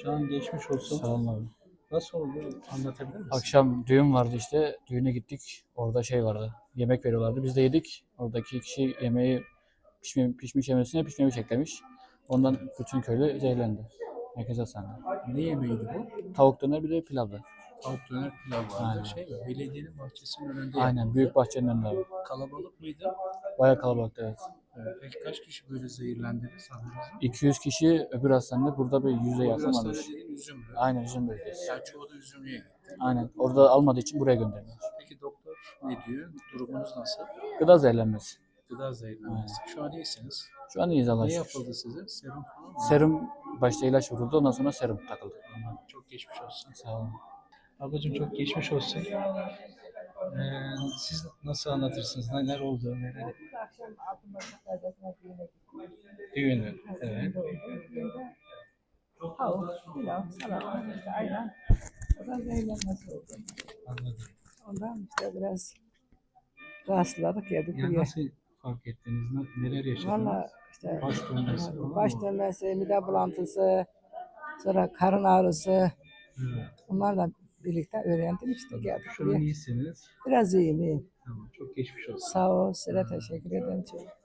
Can geçmiş olsun. Sağ olun abi. Nasıl oldu? Anlatabilir misin? Akşam düğün vardı işte. Düğüne gittik. Orada şey vardı. Yemek veriyorlardı. Biz de yedik. Oradaki kişi yemeği pişmiş yemesine pişmemiş eklemiş. Ondan bütün köylü zehirlendi. Herkes hastanede. Ne yemeğiydi bu? Tavuk döner bir de pilavdı. Tavuk döner pilav vardı. Aynen. Şey mi? Belediyenin bahçesinin önünde Aynen. yapıldı. Büyük bahçenin önünde abi. Kalabalık mıydı? Bayağı kalabalıktı evet. Peki kaç kişi böyle zehirlendiniz haberiniz var? 200 kişi öbür hastanede. Burada bir 100'e O yakın biraz varmış. dediğin Üzümlü. Aynen üzüm bölgesi. Yani çoğu da Üzümlü'ye gitti. Aynen. Orada almadığı için buraya gönderdiler. Peki doktor ne diyor? Durumunuz nasıl? Gıda zehirlenmesi. Gıda zehirlenmesi. Şu an iyisiniz. Şu an iyiyiz Allah'a Ne şükür. yapıldı size? Serum falan mı? Serum başta ilaç vuruldu. Ondan sonra serum takıldı. Çok geçmiş olsun. Sağ olun. Ablacığım çok geçmiş olsun. Siz nasıl anlatırsınız? Neler oldu? Neler? Akşam altın başı perdesine düğüne gittik. Düğünü. Evet. Tavuk, pilav, salata, işte ayran. O da zehirlenmesi oldu. Anladım. Ondan işte biraz rahatsızladık geldik Yani buraya. nasıl fark ettiniz? Neler yaşadınız? Valla işte Baş dönmesi falan baş mı? dönmesi, mide bulantısı, sonra karın ağrısı. Evet. Onlarla birlikte öğrendim işte geldik Şu an buraya. iyisiniz. Biraz iyiyim. Tamam. Çok geçmiş olsun. Sağ ol, size teşekkür ederim çok.